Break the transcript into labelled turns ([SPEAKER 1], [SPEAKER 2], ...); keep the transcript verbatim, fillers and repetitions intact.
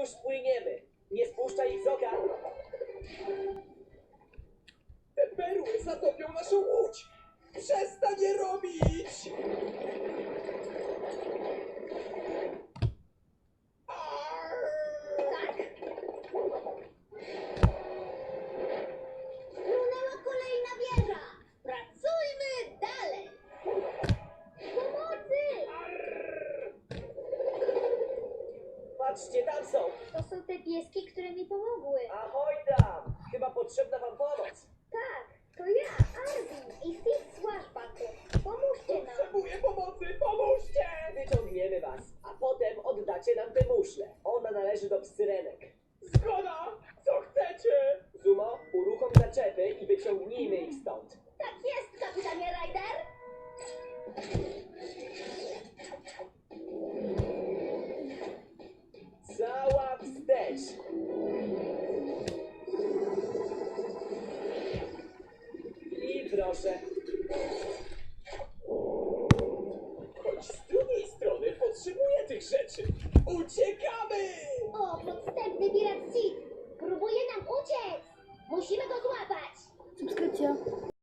[SPEAKER 1] Już płyniemy. Nie spuszczaj ich z oka.
[SPEAKER 2] Te perły zatopią naszą łódź! Przestań je robić!
[SPEAKER 3] Tak. Runęła kolejna wieża. Pracujmy dalej. Pomocy!
[SPEAKER 1] Patrzcie, tam są.
[SPEAKER 3] To są te pieski, które mi pomogły.
[SPEAKER 1] Ahoj tam. Chyba potrzebna wam pomoc.
[SPEAKER 3] Tak, to ja, Arvin i Steve Swashbuckle. Pomóżcie nam.
[SPEAKER 2] Potrzebuję pomocy! Pomóżcie!
[SPEAKER 1] Wyciągniemy was, a potem oddacie nam tę muszlę. Ona należy do psyrenek.
[SPEAKER 2] Zgoda! Co chcecie?
[SPEAKER 1] Zumo, uruchom zaczepy i wyciągnijmy ich stąd.
[SPEAKER 3] Tak jest, kapitanie Ryder.
[SPEAKER 1] Cała wstecz. I proszę.
[SPEAKER 2] Choć z drugiej strony potrzebuję tych rzeczy. Uciekamy!
[SPEAKER 3] O, podstępny pirat Sid. Próbuje nam uciec. Musimy go złapać.
[SPEAKER 4] Subskrypcja.